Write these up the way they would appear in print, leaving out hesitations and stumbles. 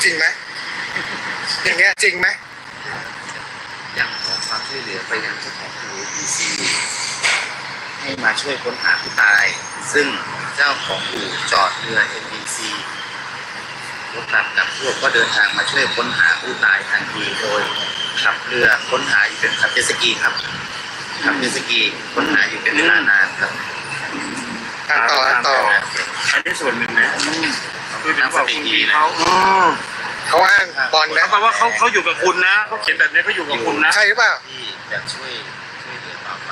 จริงไหมอย่างเงี้ยจริงไหมอยากขอความช่วยเหลือไปยังเจ้าของอู่ ABC ให้มาช่วยค้นหาผู้ตายซึ่งเจ้าของอู่จอดเรือ MBC รถกับพวกก็เดินทางมาช่วยค้นหาผู้ตายทันทีโดยขับเรือค้นหาอยู่เป็นขับเจ็ตสกีครับขับเจ็ตสกีค้นหาอยู่เป็นเวลานานครับต่ออันนี้ส่วนหนึ่งนะคือถึงบอกคุณพี่เขาอ้างบอลนะเพราะว่าเขาอยู่กับคุณนะเขาเขียนแบบนี้เขาอยู่กับคุณนะใช่หรือเปล่าที่จะช่วยเหลือต่อไป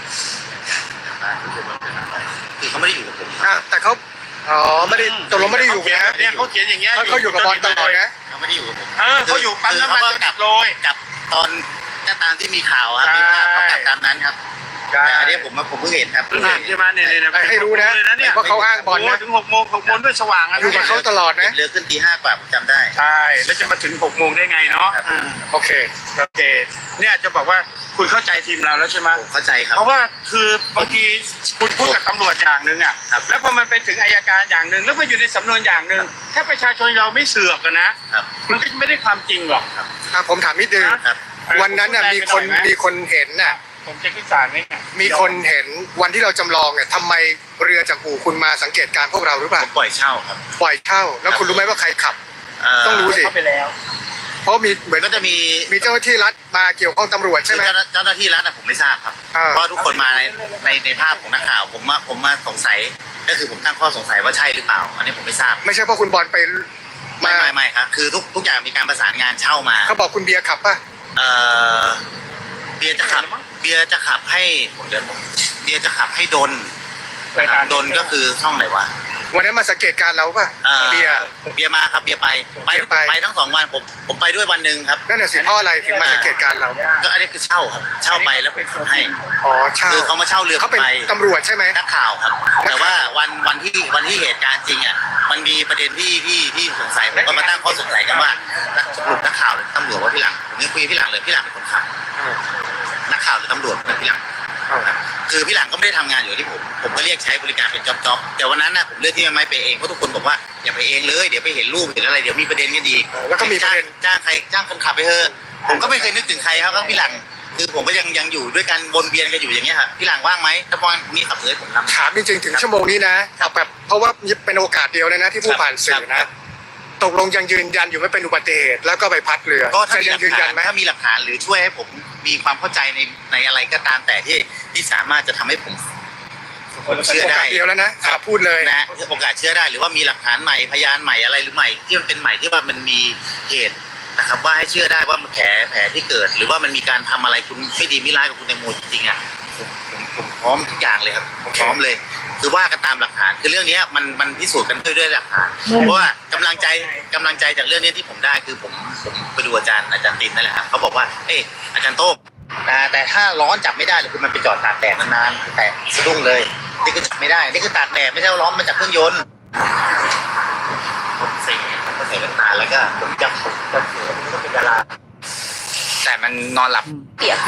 คือเขาไม่ได้อยู่กับผมแต่เขาไม่ได้ตกลงไม่ได้อยู่นะเนี่ยเขาเขียนอย่างเงี้ยเขาอยู่กับบอลตลอดนะเขาไม่ได้อยู่กับผมเขาอยู่ปั๊มน้ำมันกับโรยกับตอนก็ตามที่มีข่าวครับมีภาพเขากลับตามนั้นครับแต่อันนี้ผมเพิ่งเห็นครับเพิ่งเห็นใช่ไหมเนี่ยให้รู้นะว่าเขาอ้างบอลนะถึง6 โมงด้วยสว่างอยู่กับเขาตลอดนะเรือขึ้นตี 5 กว่าผมจำได้ใช่แล้วจะมาถึง6 โมงได้ไงเนาะโอเคเนี่ยจะบอกว่าคุณเข้าใจทีมเราแล้วใช่ไหมเข้าใจครับเพราะว่าคือบางทีคุณพูดกับตำรวจอย่างหนึ่งอ่ะแล้วพอมันไปถึงอัยการอย่างหนึ่งแล้วมันอยู่ในสำนวนอย่างหนึ่งถ้าประชาชนเราไม่เสือกกันนะมันก็ไม่ได้ความจริงหรอกผมถามนิดนึงวันนั้นมีคนเห็นน่ะผมจะขึ้นศาลไหมมีคนเห็นวันที่เราจำลองเนี่ยทำไมเรือจากอู่คุณมาสังเกตการพวกเราหรือเปล่าปล่อยเช่าครับปล่อยเช่าแล้วคุณรู้ไหมว่าใครขับต้องรู้สิเข้าไปแล้วเพราะมีเหมือนก็จะมีเจ้าหน้าที่รัฐมาเกี่ยวข้องตำรวจใช่ไหมเจ้าหน้าที่รัฐผมไม่ทราบครับเพราะทุกคนมาในภาพของนักข่าวผมมาสงสัยก็คือผมตั้งข้อสงสัยว่าใช่หรือเปล่าอันนี้ผมไม่ทราบไม่ใช่เพราะคุณบอลไปไม่ครับคือทุกอย่างมีการประสานงานเช่ามาเขาบอกคุณเบียร์ขับป่ะเบียร์จะขับให้เบียร์จะขับให้ดนก็คือช่องไหนวะวันนั้นมาสังเกตการเราป่ะเบียร์มาครับเบียร์ไปทั้ง2 วันผมไปด้วยวันหนึ่งครับนั่นแหละสิเพราะอะไรถึงมาสังเกตการเราก็อันนี้คือเช่าครับเช่าไปแล้วไปขับให้เช่าคือเขามาเช่าเรือเขาเป็นตำรวจใช่ไหมนักข่าวครับแต่ว่าวันที่เหตุการณ์จริงอ่ะมันมีประเด็นที่สงสัยผมก็มาตั้งข้อสงสัยกันว่าสรุปนักข่าวหรือตำรวจว่าพี่หลังผมยังคุยพี่หลังเลยพี่หลังเป็นคนขับนักข่าวหรือตำรวจเป็นพี่หลังคือพี่หลังก็ไม่ได้ทำงานอยู่ที่ผมก็เรียกใช้บริการเป็นจ็อบแต่วันนั้นนะผมเลือกที่ไม่ไปเองเพราะทุกคนบอกว่าอย่าไปเองเลยเดี๋ยวไปเห็นรูปเห็นอะไรเดี๋ยวมีประเด็นกันอีกแล้วก็มีประเด็นจ้างคนขับไปเถอะผมก็ไม่เคยนึกถึงใครครับก็พี่หลังคือผมก็ยังอยู่ด้วยกันวนเวียนกันอยู่อย่างเงี้ยครับพี่หลังว่างไหมถ้าว่างนี่ขับเลยผมทำถามจริงๆถึงชั่วโมงนี้นะแบบเพราะว่าเป็นโอกาสเดียวเลยนะที่ผู้ผ่านสื่อนะตกลงยังยืนยันอยู่ไม่เป็นอุบัติเหตุแล้วก็ใบพัดเรือก็ถ้ายังยืนยันไหมถ้ามีหลักฐานหรือช่วยให้ผมมีความเข้าใจในอะไรก็ตามแต่ที่สามารถจะทำให้ผมเชื่อได้เดียวแล้วนะพูดเลยนะโอกาสเชื่อได้หรือว่ามีหลักฐานใหม่พยานใหม่อะไรหรือใหม่ที่มันเป็นใหม่ที่ว่ามันมีเหตุนะครับว่าให้เชื่อได้ว่าแผลที่เกิดหรือว่ามันมีการทำอะไรคุณไม่ดีไม่ร้ายกับคุณแตงโมจริงๆอ่ะผมพร้อมทุกอย่างเลยครับผมพร้อมเลยคือว่ากันตามหลักฐานคือเรื่องนี้มันพิสูจน์กันด้วยหลักฐานเพราะว่ากำลังใจจากเรื่องนี้ที่ผมได้คือผมไปดูอาจารย์ตินนั่นแหละครับเขาบอกว่าอาจารย์โต้แต่ถ้าร้อนจับไม่ได้เลยคือมันไปจอดตากแดดนานๆแต่สะดุ้งเลยนี่คือจับไม่ได้นี่คือตากแดดไม่ใช่ร้อนมาจากเครื่องยนต์ผมใส่แว่นตาแล้วก็ผมจับเสือมันก็เป็นดาราแต่มันนอนหลับเปียก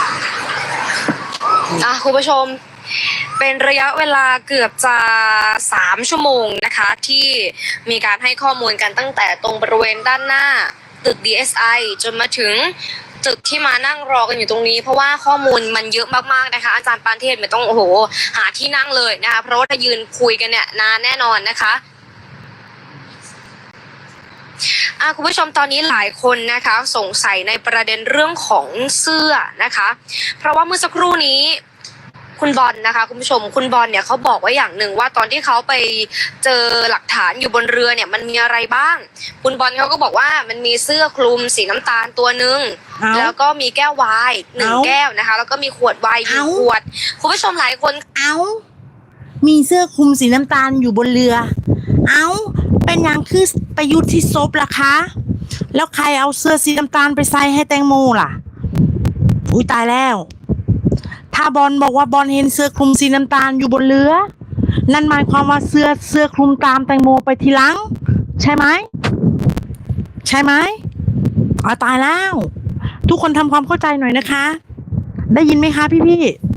คุณผู้ชมเป็นระยะเวลาเกือบจะ3 ชั่วโมงนะคะที่มีการให้ข้อมูลกันตั้งแต่ตรงบริเวณด้านหน้าตึก DSI จนมาถึงตึกที่มานั่งรอกันอยู่ตรงนี้เพราะว่าข้อมูลมันเยอะมากๆนะคะอาจารย์ปานเทศไม่ต้องหาที่นั่งเลยนะคะเพราะว่าถ้ายืนคุยกันเนี่ยนานแน่นอนนะคะคุณผู้ชมตอนนี้หลายคนนะคะสงสัยในประเด็นเรื่องของเสื้อนะคะเพราะว่าเมื่อสักครู่นี้คุณบอลนะคะคุณผู้ชมคุณบอลเนี่ยเขาบอกไว้อย่างหนึ่งว่าตอนที่เขาไปเจอหลักฐานอยู่บนเรือเนี่ยมันมีอะไรบ้างคุณบอลเขาก็บอกว่ามันมีเสื้อคลุมสีน้ำตาลตัวนึงแล้วก็มีแก้วไวน์1 แก้วนะคะแล้วก็มีขวดไวน์1 ขวดคุณผู้ชมหลายคนมีเสื้อคลุมสีน้ำตาลอยู่บนเรือเป็นอย่างคือไปยุทธที่ซบล่ะคะแล้วใครเอาเสื้อสีน้ำตาลไปใส่ให้แตงโมล่ะอุ้ยตายแล้วถ้าบอลบอกว่าบอลเห็นเสื้อคลุมสีน้ำตาลอยู่บนเรือนั่นหมายความว่าเสื้อคลุมตามแตงโมไปทีหลังใช่ไหมตายแล้วทุกคนทำความเข้าใจหน่อยนะคะได้ยินไหมคะพี่